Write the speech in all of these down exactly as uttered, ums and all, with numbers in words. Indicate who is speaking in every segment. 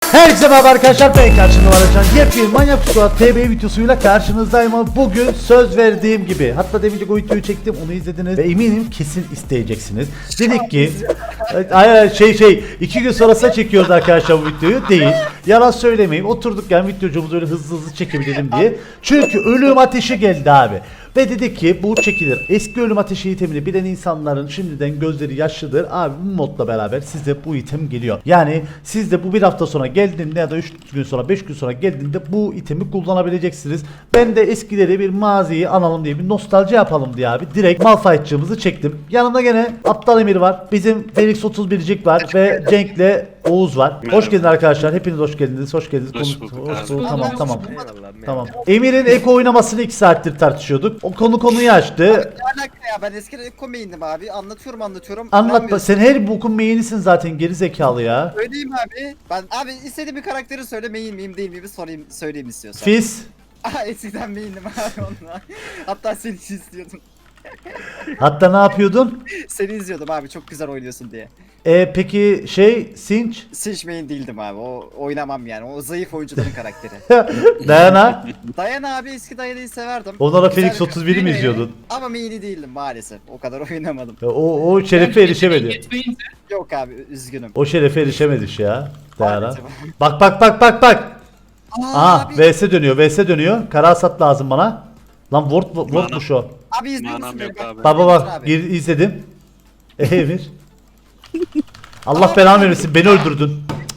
Speaker 1: Herkese merhaba arkadaşlar, ben karşınızda Varacan. Yepyeni Manyak Squad T B videosuyla karşınızdayım ama bugün söz verdiğim gibi, hatta demince o videoyu çektim, onu izlediniz ve eminim kesin isteyeceksiniz. Dedik ki ay şey şey iki gün sonrasında çekiyoruz arkadaşlar bu videoyu, değil. Yalan söylemeyeyim, oturduk yani videocumuzu öyle hızlı hızlı çekebilelim diye. Çünkü ölüm ateşi geldi abi. Ve dedik ki bu çekilir. Eski ölüm ateşi itemini bilen insanların şimdiden gözleri yaşlıdır. Abi bu modla beraber size bu item geliyor. Yani siz de bu bir hafta sonra geldiğinde ya da üç gün sonra beş gün sonra geldiğinde bu itemi kullanabileceksiniz. Ben de eskileri bir maziyi analım diye bir nostalji yapalım diye abi direkt Malphite'cığımızı çektim. Yanımda gene Aptal Emir var. Bizim Felix otuz bircik var ve Cenk'le Oğuz var. Hoş geldiniz arkadaşlar. Hepiniz hoş geldiniz. Hoş geldiniz.
Speaker 2: Hoş
Speaker 1: Konu-
Speaker 2: bulduk
Speaker 1: hoş
Speaker 2: abi.
Speaker 1: bulduk. Tamam tamam.
Speaker 3: Eyvallah,
Speaker 1: Tamam. Emir'in eko oynamasını iki saattir tartışıyorduk. O konu konuyu açtı.
Speaker 3: Ne alaka ya, ben eskiden ilk komeyindim abi, anlatıyorum anlatıyorum.
Speaker 1: Anlatma.
Speaker 3: İnanmıyorsun.
Speaker 1: Sen her bokun meyinisin zaten, geri zekalı ya.
Speaker 3: Söyleyeyim abi. Ben abi istediğim bir karakteri söyle, main miyim değil miyim sorayım, söyleyeyim istiyorsan.
Speaker 1: Fizz.
Speaker 3: Aa, eskiden main'dim abi onunla. Hatta seni izliyordum.
Speaker 1: Hatta ne yapıyordun?
Speaker 3: Seni izliyordum abi, çok güzel oynuyorsun diye.
Speaker 1: E peki şey Sinç?
Speaker 3: Sinch main değildim abi, o oynamam yani, o zayıf oyuncuların karakteri.
Speaker 1: Dayana.
Speaker 3: Dayan abi, eski Dayan'ı severdim.
Speaker 1: Onlara
Speaker 3: Güzel
Speaker 1: Felix
Speaker 3: bir
Speaker 1: otuz bir'i mi
Speaker 3: karakter.
Speaker 1: izliyordun?
Speaker 3: Ama main'i değildim maalesef, o kadar oynamadım.
Speaker 1: O, o şerefe erişemedi.
Speaker 2: Yetmeyince
Speaker 3: Yok abi, üzgünüm.
Speaker 1: O şerefe erişemedik ya. Dayana.
Speaker 3: Maalesef.
Speaker 1: Bak bak bak bak bak.
Speaker 3: Aa,
Speaker 1: Aha
Speaker 3: abi,
Speaker 1: V S dönüyor, V S dönüyor. Kara hasat lazım bana. Lan ward wardmuş o.
Speaker 3: abi izliyor musun
Speaker 2: Manam
Speaker 3: beni?
Speaker 2: yok
Speaker 3: Bak-
Speaker 2: abi.
Speaker 1: Baba bak
Speaker 3: Abi.
Speaker 1: gir, izledim. E, Emir. Allah belanı vermesin, beni öldürdün.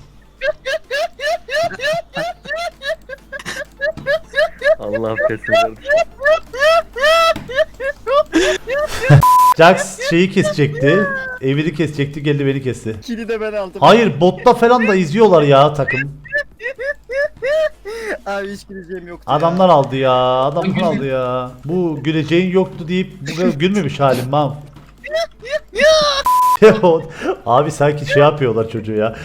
Speaker 4: Allah affetsin.
Speaker 1: Jax şeyi kesecekti. Emir'i kesecekti, geldi beni kesti.
Speaker 3: Kili de ben aldım.
Speaker 1: Hayır, botta falan da izliyorlar ya takım.
Speaker 3: Abi hiç güleceğim yoktu
Speaker 1: Adamlar aldı ya, adamlar aldı ya. Bu güleceğin yoktu deyip bu kadar gülmemiş halim mam. Abi sanki şey yapıyorlar çocuğu ya.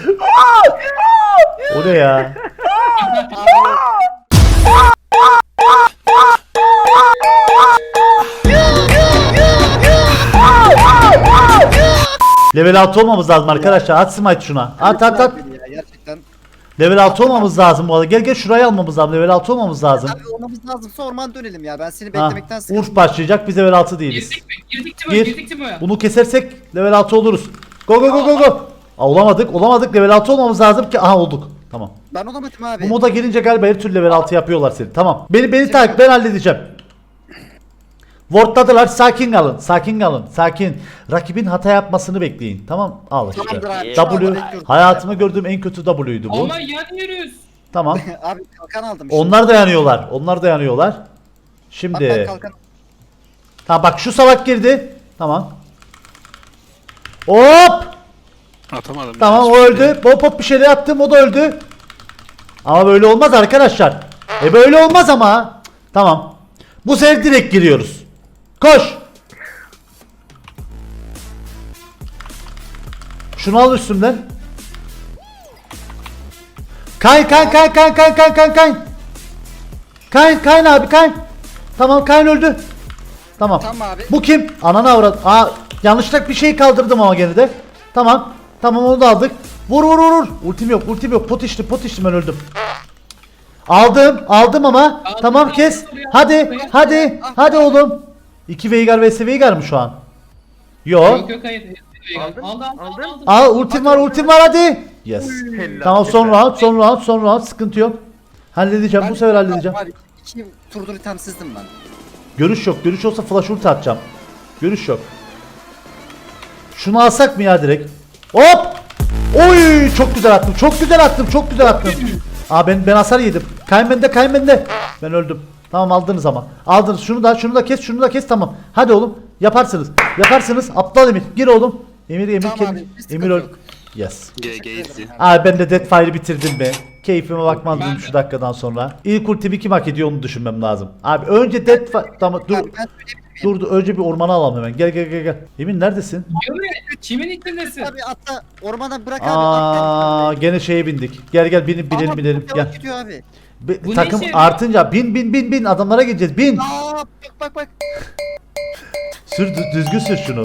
Speaker 1: O ne ya?
Speaker 3: ya.
Speaker 1: Level altı olmamız lazım arkadaşlar. At smite şuna. At at at.
Speaker 3: Abi, ya, gerçekten.
Speaker 1: Level altı olmamız lazım bu arada. Gel gel şurayı almamız lazım. Level altı olmamız lazım.
Speaker 3: Abi olmamız lazımsa orman dönelim ya. Ben seni
Speaker 1: Ha,
Speaker 3: beklemekten sıkıldım.
Speaker 1: Urf başlayacak. Biz level altı değiliz.
Speaker 2: girdik mi? Girdik mi?
Speaker 1: Gir.
Speaker 2: Girdik mi?
Speaker 1: Bunu kesersek level altı oluruz. Go go go go go. Aa, olamadık. Olamadık. Level altı olmamız lazım ki. Aha olduk. Tamam.
Speaker 3: Ben olamadım abi.
Speaker 1: Bu moda girince galiba her türlü level altı yapıyorlar seni. Tamam. Beni beni takip, ben halledeceğim. Wardladılar. Sakin kalın. Sakin kalın. Sakin. Rakibin hata yapmasını bekleyin. Tamam. Al işte.
Speaker 3: Tamamdır abi, şu anda
Speaker 1: W.
Speaker 3: bekliyorum.
Speaker 1: Hayatımda gördüğüm en kötü W'ydu bu.
Speaker 2: Ama yanıyoruz.
Speaker 1: Tamam.
Speaker 3: Abi kalkan aldım.
Speaker 1: Onlar dayanıyorlar. Onlar dayanıyorlar.
Speaker 3: Bak, ben
Speaker 1: Şimdi.
Speaker 3: kalkan.
Speaker 1: Ha bak şu salak girdi. Tamam. Hop.
Speaker 2: Atamadım.
Speaker 1: Tamam, o öldü. Hop hop bir şeyler attım, o da öldü. Ama böyle olmaz arkadaşlar. E böyle olmaz ama. Tamam. Bu sefer direkt giriyoruz. Koş. Şunu al üstümden. Kay kay kay kay kay kay kay kay. Kay kay abi kay. Tamam, Kayn öldü. Tamam.
Speaker 3: Tamam abi.
Speaker 1: Bu kim? Ananı avrat. Aa, yanlışlıkla bir şey kaldırdım ama gene de. Tamam. Tamam, onu da aldık. Vur vur vur vur. Ultim yok, ultim yok. Pot içtim, pot içtim, ben öldüm. Aldım, aldım ama.
Speaker 2: Aldım,
Speaker 1: Tamam,
Speaker 2: aldım,
Speaker 1: kes.
Speaker 2: aldım.
Speaker 1: Hadi,
Speaker 2: Aldım.
Speaker 1: hadi. Hadi oğlum. iki Veigar vs Veigar mı şu an? Yo.
Speaker 2: Yok yok hayır.
Speaker 4: Aldın,
Speaker 2: Aldı aldı
Speaker 4: aldın.
Speaker 2: aldı.
Speaker 1: Al, ultim var, ultim var, hadi. Yes.
Speaker 4: Helal,
Speaker 1: Tamam, son
Speaker 4: helal.
Speaker 1: round, son round, son round, sıkıntı yok. Halledeceğim, bu sefer halledeceğim.
Speaker 3: Abi iki turdur itemsizdim ben.
Speaker 1: Görüş yok. Görüş olsa flash ulti atacağım. Görüş yok. Şunu alsak mı ya direkt? Hop! Oy! Çok güzel attım. Çok güzel attım. Çok güzel attım. Aa, ben ben hasar yedim. Kayn bende, Kayn bende. Ben öldüm. Tamam, aldınız ama. Aldınız. Şunu da şunu da kes, şunu da kes, tamam. Hadi oğlum. Yaparsınız. Yaparsınız. Aptal Emir. Gir oğlum. Emir Emir
Speaker 3: Tamam
Speaker 1: Emir.
Speaker 3: abi, bir sıkıntı
Speaker 1: Emir öl.
Speaker 3: yok.
Speaker 1: Yes.
Speaker 2: G G izli.
Speaker 1: Abi ben de Deathfire'ı bitirdim be. Keyfime bakmazdım
Speaker 2: Ben de.
Speaker 1: şu dakikadan sonra. İlk ultimi kim hak ediyor onu düşünmem lazım. Abi önce Deathfire... Tamam dur.
Speaker 3: Abi ben söyleyebilir miyim?
Speaker 1: Dur dur, önce bir ormana alalım hemen. Gel gel gel gel. Emin neredesin?
Speaker 2: Diyor ya, kimin içindesin?
Speaker 3: Abi atla ormana bırak abi.
Speaker 1: Aa,
Speaker 3: atla.
Speaker 1: gene şeye bindik. Gel gel binip binelim
Speaker 3: Ama
Speaker 1: binelim.
Speaker 3: çok
Speaker 1: Gel.
Speaker 3: yavaş gidiyor abi.
Speaker 1: Be-
Speaker 2: Bu ne
Speaker 1: takım
Speaker 2: işe yarıyor?
Speaker 1: artınca bin bin bin bin adamlara gideceğiz. Bin.
Speaker 3: Aa bak bak bak.
Speaker 1: Sür dü- düzgün sür şunu.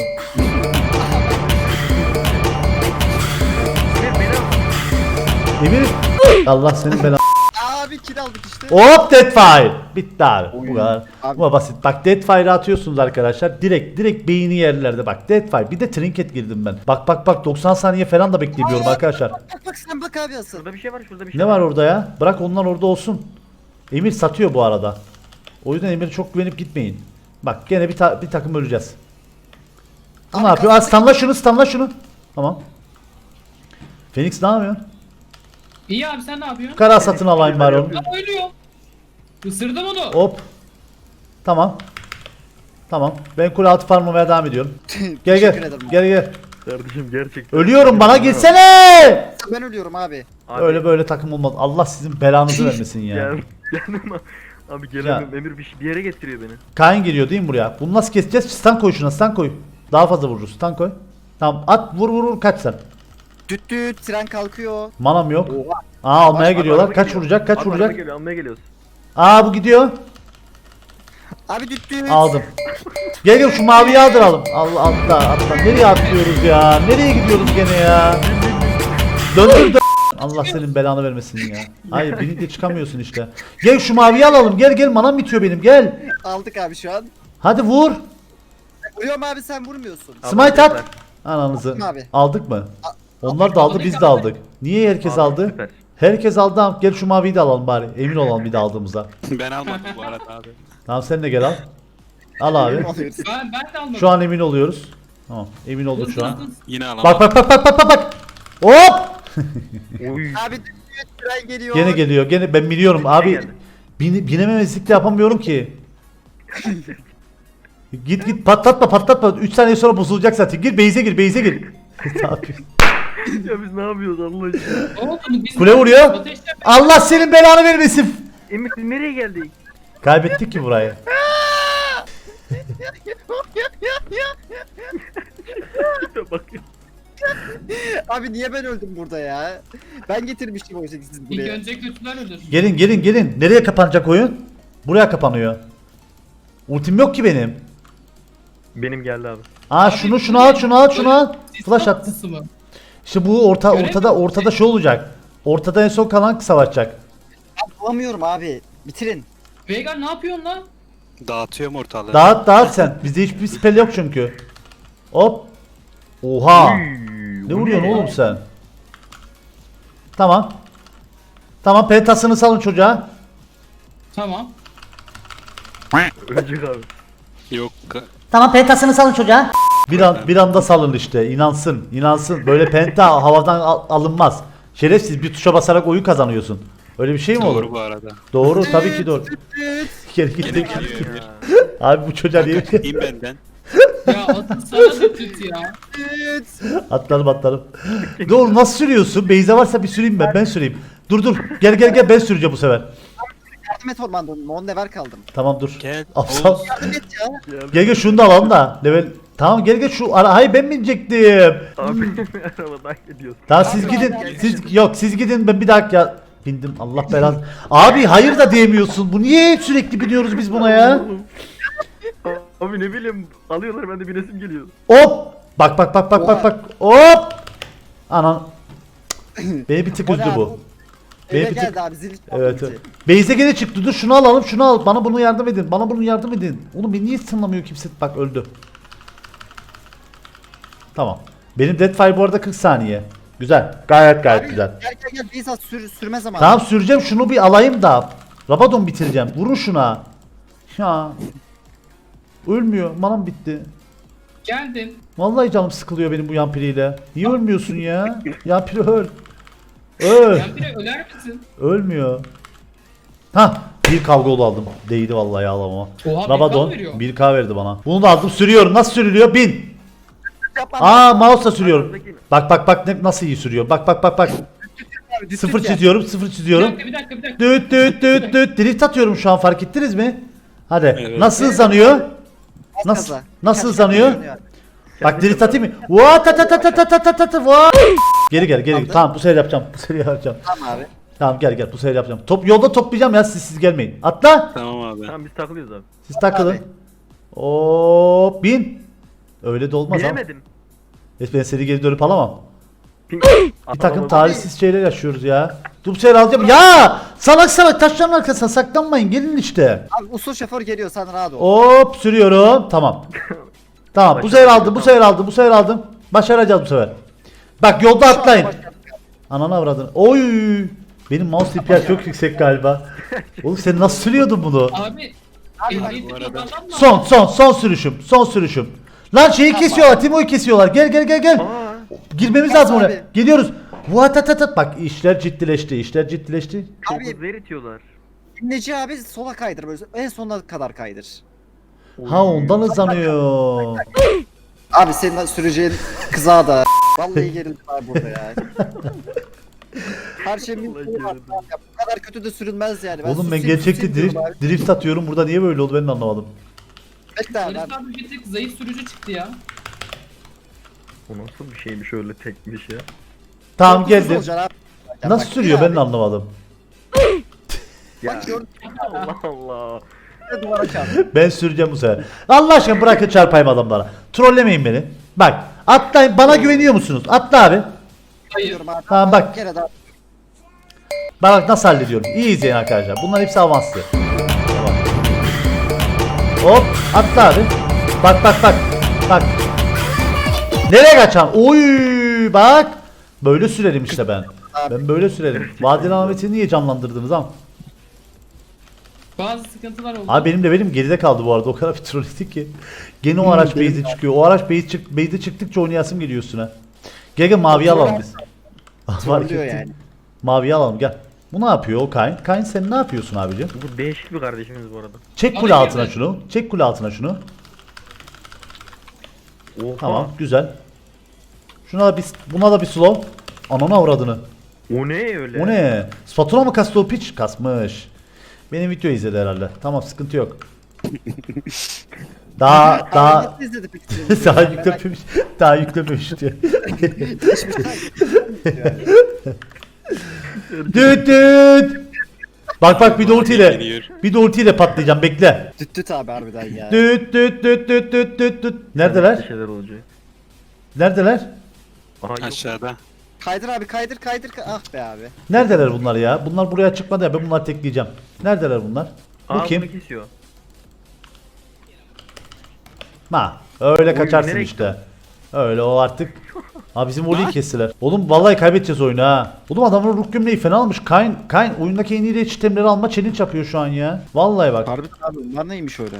Speaker 4: Beni
Speaker 1: Emir Allah senin belanı.
Speaker 3: Abi kill aldık işte.
Speaker 1: Hop Deadfire. Bitti abi. Bu
Speaker 3: Oy.
Speaker 1: kadar.
Speaker 3: Abi.
Speaker 1: Bu basit. Bak Deadfire'ı atıyorsunuz arkadaşlar. Direkt direkt beyni yerlerde bak. Deadfire. Bir de trinket girdim ben. Bak bak bak doksan saniye falan da beklemiyorum arkadaşlar.
Speaker 3: Bak bak sen bak abi asıl.
Speaker 4: Şurada bir şey var, şurada bir şey
Speaker 1: Ne var orada ya? Bırak onlar orada olsun. Emir satıyor bu arada. O yüzden Emir'e çok güvenip gitmeyin. Bak gene bir, ta- bir takım öleceğiz. Bu
Speaker 3: Abi
Speaker 1: ne yapıyor? Aa,
Speaker 3: kalsın.
Speaker 1: stunla şunu, stunla şunu. Tamam. Phoenix ne yapıyor?
Speaker 2: İyi abi sen ne yapıyorsun?
Speaker 1: Kara satın alayım bari onu.
Speaker 2: Ben ölüyor. Isırdım onu.
Speaker 1: Hop. Tamam. Tamam. Ben kule altı farmlamaya devam ediyorum. Gel
Speaker 3: Teşekkür
Speaker 1: gel.
Speaker 3: ederim.
Speaker 1: Gel gel.
Speaker 4: Kardeşim gerçekten.
Speaker 1: Ölüyorum bana gelsene.
Speaker 3: Ben ölüyorum abi.
Speaker 4: Abi,
Speaker 1: Öyle böyle takım olmaz. Allah sizin belanızı vermesin ya.
Speaker 4: Gel. Gelmem abi. Abi gelemem. Emir bir, şey- bir yere getiriyor beni.
Speaker 1: Kain geliyor değil mi buraya? Bunu nasıl keseceğiz? Stun koy şuna, stun koy. Daha fazla vururuz. Stun koy. Tamam at vur vur vur kaç sen.
Speaker 3: Düt düt tren kalkıyor.
Speaker 1: Manam yok.
Speaker 3: Oha.
Speaker 1: Aa almaya
Speaker 3: Bak,
Speaker 1: geliyorlar.
Speaker 4: Araba
Speaker 1: Kaç
Speaker 4: geliyor.
Speaker 1: vuracak? Kaç
Speaker 4: Abi,
Speaker 1: vuracak?
Speaker 4: Almaya geliyor, almaya geliyoruz.
Speaker 1: Aa bu gidiyor.
Speaker 3: Abi düt düt.
Speaker 1: Aldım. Gel gel şu maviyi aldıralım. Allah atla atla. Nereye atlıyoruz ya? Nereye gidiyoruz gene ya? Döndür dön. Allah senin belanı vermesin ya. Hayır birlikte çıkamıyorsun işte. Gel şu maviyi alalım. Gel gel manam bitiyor benim. Gel.
Speaker 3: Aldık abi şu an.
Speaker 1: Hadi vur.
Speaker 3: Vuruyorum abi sen vurmuyorsun.
Speaker 4: Abi,
Speaker 1: Smite
Speaker 4: süper.
Speaker 1: at. Ananızı.
Speaker 3: Attım abi.
Speaker 1: Aldık mı? Onlar da aldı biz de aldık. Niye herkes
Speaker 4: Abi,
Speaker 1: aldı?
Speaker 4: süper.
Speaker 1: Herkes aldı. Tamam, gel şu maviyi de alalım bari. Emin olalım bir de aldığımıza.
Speaker 2: Ben almadım bu arada abi.
Speaker 1: Tamam sen de gel al. Al abi.
Speaker 3: Alıyoruz.
Speaker 2: Ben, ben de almadım.
Speaker 1: Şu an emin oluyoruz. Tamam emin olduk şu an.
Speaker 2: Yine alamadım.
Speaker 1: Bak bak bak bak bak bak bak. Hop!
Speaker 4: Oy.
Speaker 3: Abi düt düt tren geliyor.
Speaker 1: Gene geliyor. Gene ben biliyorum abi.
Speaker 4: geldi.
Speaker 1: Bin, binememezlik de yapamıyorum ki. Git git patlatma patlatma. üç saniye sonra bozulacak zaten. Gir base'e gir base'e gir. Ne yapıyorsun?
Speaker 4: Ya biz ne yapıyoruz Allah aşkına?
Speaker 2: Ne oldu? Biz
Speaker 1: Kule vuruyor.
Speaker 2: Ateşle-
Speaker 1: Allah senin belanı vermesin.
Speaker 4: Emir biz nereye geldik?
Speaker 1: Kaybettik ki burayı.
Speaker 4: Bak.
Speaker 3: Abi niye ben öldüm burada ya? Ben getirmiştim oysa ki siz
Speaker 2: İlk
Speaker 3: buraya.
Speaker 2: önce kötüler ölür.
Speaker 1: Gelin gelin gelin. Nereye kapanacak oyun? Buraya kapanıyor. Ultim yok ki benim.
Speaker 4: Benim geldi abi.
Speaker 1: Aa şunu şunu al şunu al şunu al. Flash attı.
Speaker 2: Tatlısı mı?
Speaker 1: İşte bu orta
Speaker 2: Görev
Speaker 1: ortada
Speaker 2: mi?
Speaker 1: ortada şey olacak. Ortada en son kalan savaşacak.
Speaker 3: Ben bulamıyorum abi. Bitirin.
Speaker 2: Veigar ne yapıyorsun lan?
Speaker 5: Dağıtıyorum ortalığı.
Speaker 1: Dağıt dağıt sen. Bizde hiçbir spell yok çünkü. Hop. Oha. Ne vuruyorsun oğlum sen? Tamam. Tamam pentasını salın çocuğa.
Speaker 2: Tamam.
Speaker 4: Ölecek abi.
Speaker 5: Yok. ka-
Speaker 1: Tamam pentasını salın çocuğa. Bir an bir anda salın işte. İnansın. İnansın. Böyle penta havadan al- alınmaz. Şerefsiz bir tuşa basarak oyun kazanıyorsun. Öyle bir şey mi olur?
Speaker 5: Doğru bu arada.
Speaker 1: Doğru tabii ki doğru.
Speaker 3: Düt düt.
Speaker 1: Geri gittik.
Speaker 5: Geliyor Emir.
Speaker 1: Abi bu çocuğa niye?
Speaker 5: İn benden.
Speaker 2: Ya atın sana da tüt ya.
Speaker 3: Düt.
Speaker 1: Atlarım atlarım. Doğru nasıl sürüyorsun? Beyza varsa bir süreyim ben. Ben süreyim. Dur dur. Gel gel gel ben süreceğim bu sefer.
Speaker 3: Yardım et ormandan. On level kaldım.
Speaker 1: Tamam dur.
Speaker 5: Gel.
Speaker 1: Aptal.
Speaker 5: Oğuz.
Speaker 3: Yardım et ya.
Speaker 1: Gel gel şunu da alalım da. Level. Tamam gel gel şu ara. Hayır ben binecektim.
Speaker 4: Abi arabadan gidiyorsun.
Speaker 1: Tamam siz
Speaker 3: Abi,
Speaker 1: gidin.
Speaker 3: abi,
Speaker 1: Siz yok siz gidin ben bir dakika bindim. Allah belanı. Abi hayır da diyemiyorsun. Bu niye sürekli biniyoruz biz buna ya?
Speaker 4: Abi ne bileyim alıyorlar ben de binesim geliyor.
Speaker 1: Hop. Bak bak bak bak bak bak. Hop. Anan. Beni bir tık
Speaker 3: O ne
Speaker 1: üzdü
Speaker 3: abi?
Speaker 1: bu.
Speaker 3: Eve
Speaker 1: Beni bir tık.
Speaker 3: geldi abi zil.
Speaker 1: Evet
Speaker 3: çaldı
Speaker 1: evet. Beyze gene çıktı. Dur şunu alalım şunu al. Bana bunu yardım edin. Bana bunu yardım edin. Oğlum beni niye sınlamıyor kimse? Bak öldü. Tamam. Benim Deadfire bu arada kırk saniye. Güzel. Gayet gayet
Speaker 3: Abi,
Speaker 1: güzel.
Speaker 3: Gel gel gel. Bizzat sür, sürme zamanı.
Speaker 1: Tamam süreceğim şunu bir alayım da. Rabadon bitireceğim. Vurun şuna. Ya. Ölmüyor. Manam bitti.
Speaker 2: Geldim.
Speaker 1: Vallahi canım sıkılıyor benim bu yampiriyle. Niye ölmüyorsun ya? Yampiri öl. Öl.
Speaker 2: Ya bir de öler misin?
Speaker 1: Ölmüyor. Ha bir kavgalı aldım. Değdi vallahi ağlamama.
Speaker 2: Oha, bir K
Speaker 1: Rabadon
Speaker 2: veriyor.
Speaker 1: bir K verdi bana. Bunu da aldım sürüyorum. Nasıl sürülüyor? Bin.
Speaker 3: Yapma.
Speaker 1: Aa mouse'la sürüyorum. Bak bak bak ne, nasıl iyi sürüyor. Bak bak bak bak.
Speaker 3: Abi, düt
Speaker 1: Sıfır
Speaker 3: düt ya.
Speaker 1: çiziyorum, sıfır
Speaker 2: Bir
Speaker 1: çiziyorum.
Speaker 2: dakika bir dakika bir dakika.
Speaker 1: Düt düt düt düt. Drift atıyorum şu an fark ettiniz mi? Hadi.
Speaker 5: Evet.
Speaker 1: Nasıl hızlanıyor?
Speaker 3: Az
Speaker 1: Nasıl
Speaker 3: kaza.
Speaker 1: nasıl
Speaker 3: Kaç
Speaker 1: hızlanıyor?
Speaker 3: kaza
Speaker 1: Bak drift atayım mı? Vaa ta ta ta ta ta ta ta ta ta vaa. Geri gel geri. Tamam bu sefer yapacağım. Bu sefer yapacağım.
Speaker 3: Tamam abi.
Speaker 1: Tamam gel gel bu sefer yapacağım. Top yolda toplayacağım ya siz siz gelmeyin. Atla.
Speaker 5: Tamam abi.
Speaker 4: Tamam biz takılıyoruz abi.
Speaker 1: Siz takılın.
Speaker 3: Abi.
Speaker 1: Hop bin. Öyle de olmaz ama.
Speaker 4: Bilemedim.
Speaker 1: Ben seni geri dönüp alamam.
Speaker 4: Ping.
Speaker 1: Bir takım talihsiz şeyler yaşıyoruz ya. Dur bu sefer alacağım. Ya salak salak taşların arkasına saklanmayın gelin işte.
Speaker 3: Abi usul şoför geliyor sen rahat ol.
Speaker 1: Hop sürüyorum. Tamam. Tamam bu sefer aldım bu sefer aldım bu sefer aldım. Başaracağız bu sefer. Bak yolda
Speaker 3: Şu an
Speaker 1: atlayın.
Speaker 3: başladık.
Speaker 1: Ananı avradın. Oy. Benim mouse D P I çok yüksek galiba. Oğlum sen nasıl sürüyordun bunu?
Speaker 2: Abi.
Speaker 3: Abi bak,
Speaker 2: Ehliyeti
Speaker 5: bu arada-
Speaker 2: kullanmam mı?
Speaker 1: Son son son sürüşüm. Son sürüşüm. Lan şeyi
Speaker 3: Tamam.
Speaker 1: kesiyorlar. Timo'yu kesiyorlar. Gel gel gel gel.
Speaker 4: Aa,
Speaker 1: Girmemiz
Speaker 3: Tamam
Speaker 1: lazım
Speaker 3: abi.
Speaker 1: oraya. Geliyoruz. Vuatatat. Bak işler ciddileşti. İşler ciddileşti.
Speaker 4: çok
Speaker 3: Abi-
Speaker 4: hızlı eritiyorlar.
Speaker 3: Neci abi sola kaydır böyle en sonuna kadar kaydır.
Speaker 1: Ha ondan hızlanıyor.
Speaker 3: Abi senin süreceğin kıza da. Vallahi gerildim abi burada ya. Her şey mümkün var. Ya bu kadar kötü de sürülmez yani.
Speaker 1: Oğlum ben
Speaker 3: susayım,
Speaker 1: gerçekte
Speaker 3: susayım
Speaker 1: drift,
Speaker 3: diyorum abi.
Speaker 1: drift atıyorum. Burada niye böyle oldu ben de anlamadım.
Speaker 3: Bekle abi.
Speaker 2: Barış abi bir tık zayıf sürücü çıktı ya.
Speaker 4: O nasıl bir şeymiş öyle tekmiş ya.
Speaker 1: Tamam
Speaker 3: Korkusuz
Speaker 1: geldim.
Speaker 3: olacaksın abi. Ya
Speaker 1: Nasıl
Speaker 3: bak,
Speaker 1: sürüyor
Speaker 3: bir
Speaker 1: ben de
Speaker 3: abi,
Speaker 1: anlamadım.
Speaker 4: Ya
Speaker 3: Bak gördün
Speaker 4: Allah Allah.
Speaker 3: mü duvara çarp.
Speaker 1: Ben süreceğim bu sefer. Allah aşkına bırakın çarpayım adamlara. Trollemeyin beni. Bak atlayın bana güveniyor musunuz? Atla abi.
Speaker 2: Hayır.
Speaker 3: Diyorum abi.
Speaker 1: Tamam bak.
Speaker 3: Bir kere daha.
Speaker 1: Bak nasıl hallediyorum. İyi izleyin arkadaşlar. Bunlar hepsi avanslı. Tamam. Hop atla abi. Bak bak bak. Bak. Nereye kaçan? Oy bak. Böyle sürerim işte ben. Ben böyle sürerim. Vadeli Ahmet'i niye canlandırdınız ama?
Speaker 2: Bazı sıkıntılar oldu.
Speaker 1: Abi benim de benim geride kaldı bu arada. O kadar bir troll ettik ki. Gene o araç base'e çıkıyor. O araç base çık base'e çıktıkça oynayasım geliyor üstüne. Gel gel maviyi alalım biz. Fark
Speaker 3: Trollüyor
Speaker 1: ettim.
Speaker 3: yani.
Speaker 1: Maviyi alalım gel. Bu ne yapıyor o Kayn? Kayn sen ne yapıyorsun abicim?
Speaker 4: Bu değişik bir kardeşimiz bu arada.
Speaker 1: Çek
Speaker 2: Abi
Speaker 1: kule altına
Speaker 2: girdi.
Speaker 1: şunu. Çek kule altına şunu.
Speaker 4: Oha.
Speaker 1: Tamam güzel. Şuna da bir buna da bir slow. Ananı avradını.
Speaker 4: O ne öyle?
Speaker 1: O ne? Spatula mı kastı o piç? Kasmış. Benim video izledi herhalde. Tamam sıkıntı yok. Daha
Speaker 3: Abi
Speaker 1: daha
Speaker 3: nasıl izledi peki seni?
Speaker 1: daha
Speaker 3: Merak-
Speaker 1: yüklememiş. Daha yüklememiş diyor. Düt düt. Bak bak bir de ultiyle.
Speaker 5: Geliyor.
Speaker 1: Bir de ultiyle patlayacağım bekle.
Speaker 3: Düt düt abi harbiden ya.
Speaker 1: Düt düt düt düt düt düt düt.
Speaker 4: Bir
Speaker 1: Neredeler?
Speaker 4: şeyler olacak.
Speaker 1: Neredeler?
Speaker 4: Aha yok.
Speaker 5: Aşağıda.
Speaker 3: Kaydır abi kaydır kaydır. ka- Ah be abi.
Speaker 1: Neredeler bunlar ya? Bunlar buraya çıkmadı ya ben bunları tekleyeceğim. Neredeler bunlar? Bu
Speaker 4: Aa,
Speaker 1: kim?
Speaker 4: bunu kesiyor.
Speaker 1: Ha, öyle
Speaker 4: Oy,
Speaker 1: kaçarsın
Speaker 4: nereye
Speaker 1: işte. Öyle o artık. Ha bizim voleyi kestiler. Oğlum vallahi kaybedeceğiz oyunu ha. Oğlum adamın ruh gömleği fena almış. Kayn, Kayn oyundaki en iyi de çitemleri alma challenge yapıyor şu an ya. Vallahi bak.
Speaker 3: Harbiden abi bunlar neymiş öyle?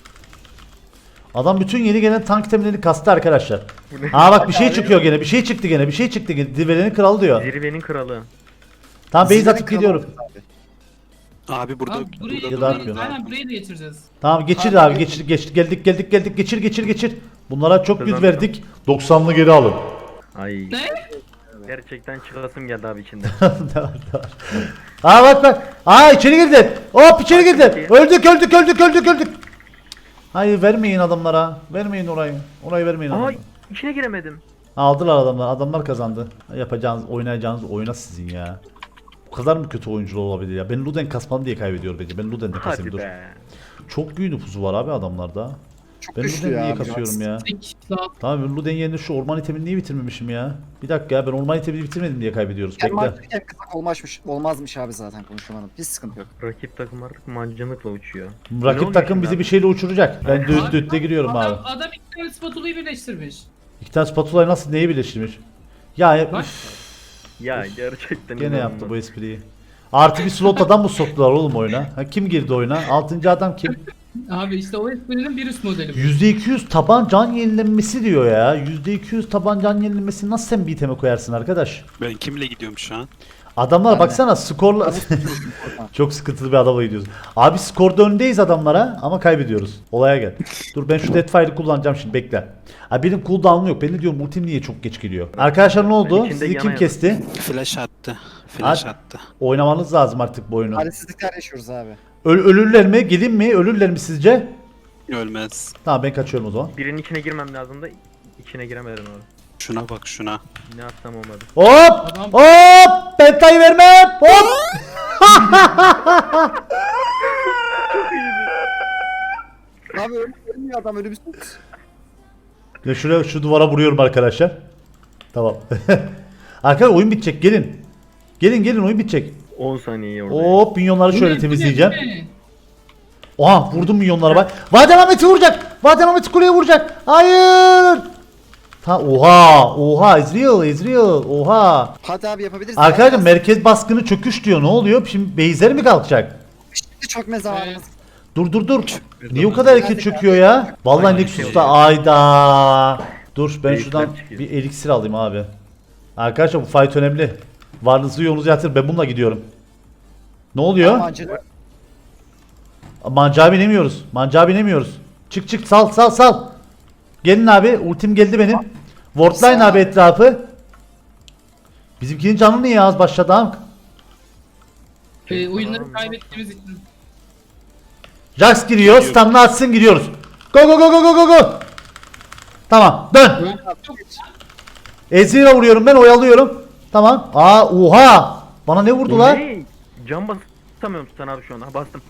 Speaker 1: Adam bütün yeni gelen tank itemlerini kastı arkadaşlar.
Speaker 4: Bu ne?
Speaker 1: Aa bak bir şey çıkıyor gene. Bir şey çıktı gene. Bir şey çıktı gene. Zirvelerin kralı diyor.
Speaker 4: Zirvenin kralı.
Speaker 1: Tamam base
Speaker 3: Sizlerin
Speaker 1: atıp
Speaker 3: kralı
Speaker 1: gidiyorum.
Speaker 3: olacağız abi.
Speaker 5: Abi burada
Speaker 2: Abi burayı,
Speaker 1: Ya da
Speaker 2: burayı,
Speaker 1: atmıyor.
Speaker 2: aynen burayı da geçireceğiz.
Speaker 1: Tamam geçir
Speaker 3: Abi,
Speaker 1: abi
Speaker 3: geçir.
Speaker 1: geçir geçir geldik geldik geldik geçir geçir geçir. Bunlara çok yüz
Speaker 4: Kazandım.
Speaker 1: verdik. doksanlı geri alın.
Speaker 4: Ay.
Speaker 2: Ne?
Speaker 4: Gerçekten çıkasım geldi abi içinde.
Speaker 1: Ne var, ne var? Aa bak bak. Aa içeri girdi. Hop içeri girdi. Öldük öldük öldük öldük öldük. Hayır vermeyin adamlara. Vermeyin orayı. Orayı vermeyin
Speaker 4: Aa
Speaker 1: adamlara.
Speaker 4: içine giremedim.
Speaker 1: Aldılar adamlar. Adamlar kazandı. Yapacağınız, oynayacağınız oyuna sizin ya. Bu kadar mı kötü oyuncular olabilir ya? Ben Luden kasmam diye kaybediyor bence. Ben Luden'de kasayım
Speaker 4: Hadi
Speaker 1: dur.
Speaker 4: be.
Speaker 1: Çok büyük nüfusu var abi adamlarda.
Speaker 3: Çok
Speaker 1: Ben
Speaker 3: güçlü
Speaker 1: Luden
Speaker 3: ya.
Speaker 1: niye
Speaker 3: abi.
Speaker 1: kasıyorum ya?
Speaker 2: Tek la.
Speaker 1: Tamam ben Luden yerine şu orman itemini niye bitirmemişim ya? Bir dakika ya ben orman itemini bitirmedim diye kaybediyoruz.
Speaker 3: Hem
Speaker 1: Bekle.
Speaker 3: mantıken kısak olmazmış, olmazmış abi zaten konuşamadım. Hiç sıkıntı yok.
Speaker 4: Rakip takım artık mancınıkla uçuyor. Ne
Speaker 1: Rakip
Speaker 4: oluyor
Speaker 1: takım
Speaker 4: şimdi
Speaker 1: bizi
Speaker 4: abi?
Speaker 1: bir şeyle uçuracak. Ben düt
Speaker 2: Abi,
Speaker 1: dütle giriyorum abi.
Speaker 2: Adam, adam iki tane spatulayı birleştirmiş.
Speaker 1: İki tane spatulayı nasıl neyi birleştirmiş? Ya
Speaker 2: Bak.
Speaker 1: üf,
Speaker 4: Ya gerçekten
Speaker 1: gene
Speaker 4: inanılmaz.
Speaker 1: yaptı bu espriyi. Artı bir slot adam mı soktular oğlum oyuna? Ha, kim girdi oyuna? Altıncı adam kim?
Speaker 2: Abi işte o esprinin bir üst modeli bu.
Speaker 1: yüzde iki yüz taban can yenilenmesi diyor ya. yüzde iki yüz taban can yenilenmesi nasıl sen bir iteme koyarsın arkadaş?
Speaker 5: ben kimle gidiyorum şu an?
Speaker 1: Adamlar
Speaker 3: Ben de.
Speaker 1: baksana skorla... Çok sıkıntılı bir adama gidiyoruz. Abi skorda öndeyiz adamlara ama kaybediyoruz. Olaya gel. Dur ben şu Deathfire'ı kullanacağım şimdi bekle. Ha benim cooldown'um yok. Ben de diyorum ultim niye çok geç geliyor. Arkadaşlar ne oldu?
Speaker 4: Ben içinde
Speaker 1: Sizi kim
Speaker 4: yana
Speaker 1: kesti?
Speaker 5: Flash attı. Flash
Speaker 1: Hadi.
Speaker 5: attı.
Speaker 1: Oynamanız lazım artık bu oyunu.
Speaker 3: Talihsizlikler yaşıyoruz abi.
Speaker 1: Öl- ölürler mi? Gelin mi? Ölürler mi sizce?
Speaker 5: Ölmez.
Speaker 1: Tamam ben kaçıyorum o zaman.
Speaker 4: Birinin içine girmem lazım da içine giremedim abi.
Speaker 5: Şuna bak şuna.
Speaker 4: Ne atsam olmadı.
Speaker 1: Hop!
Speaker 2: Adam-
Speaker 1: Hop! Pentayı vermem! Hop!
Speaker 3: Abi öl- ölmüyor adam ölümsüz.
Speaker 1: Ya şuraya şu duvara vuruyorum arkadaşlar. Tamam. Arkadaşlar oyun bitecek gelin. Gelin gelin oyun bitecek.
Speaker 4: on saniye orada.
Speaker 1: Hop minyonları
Speaker 2: Bu
Speaker 1: şöyle
Speaker 2: ne,
Speaker 1: temizleyeceğim.
Speaker 2: bu ne, bu ne?
Speaker 1: Oha vurdum minyonlara bak. Vaden Ahmet'i vuracak. Vaden Ahmet'i kuleye vuracak. Hayır. Ta oha oha Ezreal Ezreal oha.
Speaker 3: Hadi abi yapabiliriz.
Speaker 1: Arkadaşlar
Speaker 3: Yapamaz.
Speaker 1: merkez baskını çöküş diyor. Ne oluyor? Şimdi base'ler mi kalkacak?
Speaker 3: Şimdi çökme zamanımız.
Speaker 1: Dur dur dur. Niye o kadar erken çöküyor ya? Vallahi
Speaker 4: Aynen,
Speaker 1: Nexus'ta
Speaker 4: şey
Speaker 1: ayda. Dur ben
Speaker 4: Beyitler
Speaker 1: şuradan
Speaker 4: çıkıyor.
Speaker 1: bir eliksir alayım abi. Arkadaşlar bu fight önemli. Varlığınızı yolunuzu yatır. Ben bununla gidiyorum. Ne oluyor?
Speaker 3: Mancınık.
Speaker 1: Mancağa binemiyoruz. Mancağa binemiyoruz. Çık çık sal sal sal. Gelin abi. Ultim geldi benim. Wardline
Speaker 3: Sağ.
Speaker 1: abi etrafı. Bizimkinin canı niye az başladı ha?
Speaker 2: Ee, oyunları kaybettiğimiz için.
Speaker 1: Jax giriyor. Stun'ını atsın gidiyoruz. Go go go go go go go. Tamam dön. Ezreal'a vuruyorum ben oyalıyorum. Tamam. Aa oha. Bana ne
Speaker 4: Bu
Speaker 1: vurdular?
Speaker 4: ne? Can basamıyorum Stan abi şu an. Ha, bastım.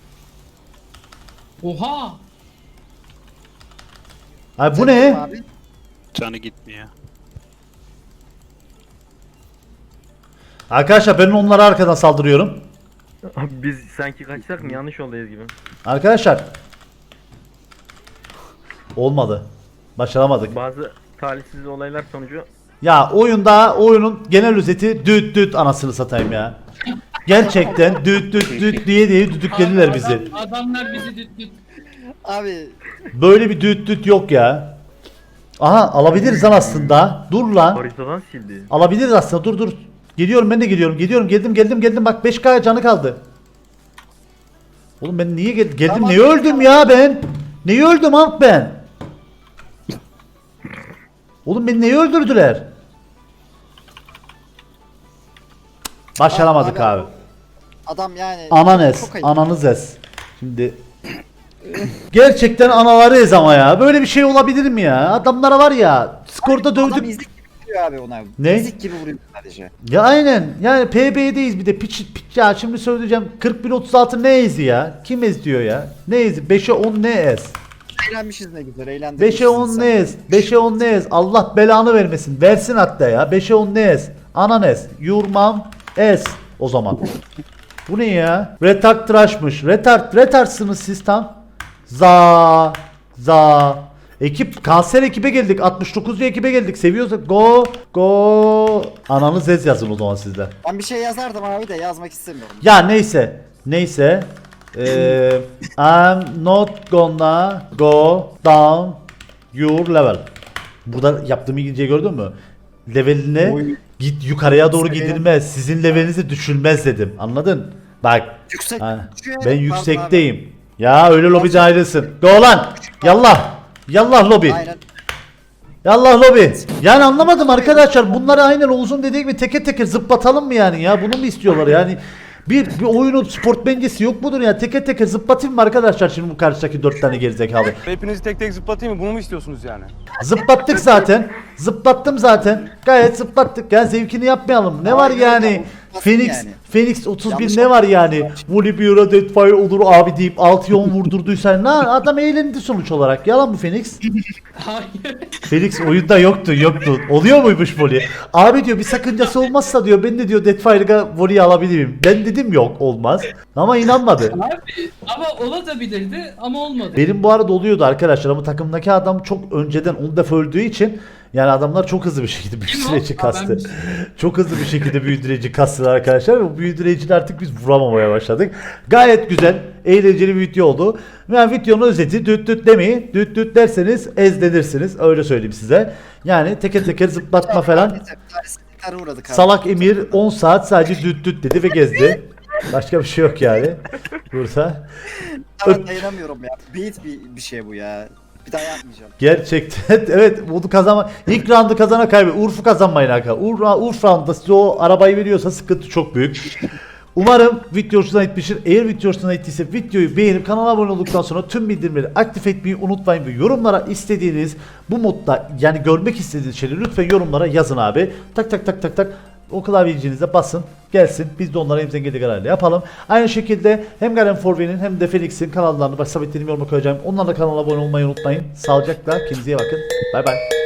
Speaker 2: Oha!
Speaker 1: Ay bu ne?
Speaker 3: Abi.
Speaker 5: Canı gitmiyor.
Speaker 1: Arkadaşlar ben onlara arkadan saldırıyorum.
Speaker 4: Abi biz sanki kaçsak mı? Yanlış yoldayız gibi.
Speaker 1: Arkadaşlar. Olmadı. Başaramadık.
Speaker 4: Bazı talihsiz olaylar sonucu
Speaker 1: Ya oyunda oyunun genel özeti düt düt anasını satayım ya. Gerçekten düt düt düt diye diye düdüklediler
Speaker 2: Adam-
Speaker 1: bizi.
Speaker 2: Adamlar bizi düt düt.
Speaker 3: Abi
Speaker 1: Böyle bir düt düt yok ya. Aha alabiliriz lan aslında. Dur lan.
Speaker 4: haritadan sildi.
Speaker 1: Alabiliriz aslında. Dur dur. Geliyorum ben de geliyorum. Geliyorum geldim geldim geldim. Bak beş K canı kaldı. Oğlum ben niye gel geldim?
Speaker 3: Tamam,
Speaker 1: Niye öldüm
Speaker 3: tamam.
Speaker 1: ya ben? Neyi öldüm Alp ben? Oğlum beni neyi öldürdüler? Başaramadık abi.
Speaker 3: adam yani.
Speaker 1: Ananes,
Speaker 3: Çok ayıp.
Speaker 1: ananız ez. Şimdi gerçekten anaları ez ama ya. Böyle bir şey olabilir mi ya? Adamlara var ya. Skorda
Speaker 3: Adam
Speaker 1: dövdük.
Speaker 3: izlik gibi vuruyor abi ona.
Speaker 1: Ne?
Speaker 3: İzlik gibi vuruyor sadece.
Speaker 1: Ya aynen. Yani P B'deyiz bir de. Piç, piç ya şimdi söyleyeceğim. kırk bir otuz altı ne ezi ya? Kim ez diyor ya? Ne ezi? beşe on ne ez?
Speaker 3: Eğlenmişiz ne güzel eğlendik.
Speaker 1: beşe on ne ez? beşe on ne ez? Allah belanı vermesin. Versin hatta ya. beşe on ne ez? Anan ez. Yurmam ez. O zaman. Bu ne ya? Retard tıraşmış. Retard. Retardsınız siz tam. Za. Za. Ekip kanser ekibe geldik. altmış dokuzcu ekibe geldik. Seviyorsak go go. Ananız ez yazın o zaman sizler.
Speaker 3: Ben bir şey yazardım abi de yazmak istemiyorum.
Speaker 1: Ya neyse. Neyse. Eee I'm not gonna go down your level. Burada yaptığım İngilizceyi gördün mü? Leveline
Speaker 3: Oy.
Speaker 1: git yukarıya doğru
Speaker 3: Seviye.
Speaker 1: gidilmez. Sizin levelinizi düşülmez dedim. Anladın? Bak.
Speaker 3: Yüksek.
Speaker 1: ha,
Speaker 3: düşüyor
Speaker 1: ben
Speaker 3: ya,
Speaker 1: yüksekteyim. Ya öyle lobide ayrılsın. Go lan. Yallah. Yallah lobi.
Speaker 3: Aynen.
Speaker 1: Yallah lobi. Yani anlamadım arkadaşlar. Bunları aynen Oğuz'un dediği gibi teker teker zıplatalım mı yani ya? Bunu mu istiyorlar yani? Bir, bir oyunun sportmencesi yok mudur ya? Teker teker zıplatayım mı arkadaşlar şimdi bu karşıdaki dört tane gerizekalı?
Speaker 6: Hepinizi tek tek zıplatayım mı? Bunu mu istiyorsunuz yani?
Speaker 1: Zıplattık zaten. Zıplattım zaten. Gayet zıplattık ya. Zevkini yapmayalım. Ne var
Speaker 3: Aynen
Speaker 1: yani?
Speaker 3: öyle.
Speaker 1: Phoenix
Speaker 3: Yani.
Speaker 1: Phoenix otuz
Speaker 3: Yanlış
Speaker 1: bin ne var yani? Volibear'a Deathfire olur abi deyip altı on vurdurduysan ne adam eğlendi sonuç olarak. Yalan mı Phoenix?
Speaker 2: Hayır.
Speaker 1: Felix oyunda yoktu yoktu. Oluyor muymuş volley? Abi diyor bir sakıncası olmazsa diyor ben de diyor Deathfire'a volley alabilirim. Ben dedim yok olmaz. Ama inanmadı.
Speaker 2: Abi ama olabilirdi ama olmadı.
Speaker 1: Benim bu arada oluyordu arkadaşlar ama takımdaki adam çok önceden on defa öldüğü için yani adamlar çok hızlı bir şekilde
Speaker 2: Kim o?
Speaker 1: büyüdüreci
Speaker 2: Aa,
Speaker 1: kastı.
Speaker 2: benmiş.
Speaker 1: Çok hızlı bir şekilde büyüdüreci kastılar arkadaşlar ve bu büyüdüreciyle artık biz vuramamaya başladık. Gayet güzel, eğlenceli bir video oldu. Yani videonun özeti düt düt demeyin. Düt düt derseniz ezlenirsiniz. Öyle söyleyeyim size. Yani teker teker zıplatma falan.
Speaker 3: Terslikler uğradık abi.
Speaker 1: Salak Emir on saat sadece düt düt dedi ve gezdi. Başka bir şey yok yani. Burada.
Speaker 3: Ben dayanamıyorum ya. Bait bir, bir şey bu ya. Bir daha yapmayacağım.
Speaker 1: Gerçekten evet bunu kazanma. İlk roundu kazana kaybet. Urf'u kazanmayın arkadaşlar. Ur, Urf roundda size o arabayı veriyorsa sıkıntı çok büyük. Umarım video hoşuna gitmiştir. Eğer video hoşuna gittiyse videoyu beğenip kanala abone olduktan sonra tüm bildirimleri aktif etmeyi unutmayın ve yorumlara istediğiniz bu modda yani görmek istediğiniz şeyleri lütfen yorumlara yazın abi. Tak tak tak tak tak o klavyecinize basın gelsin biz de onlara elimizden geldiği kadarıyla yapalım. Aynı şekilde hem Garen Forve'nin hem de Felix'in kanallarını bak sabitlerim yoruma koyacağım. Onlarla kanala abone olmayı unutmayın. Sağlıcakla kendinize iyi bakın. Bay bay.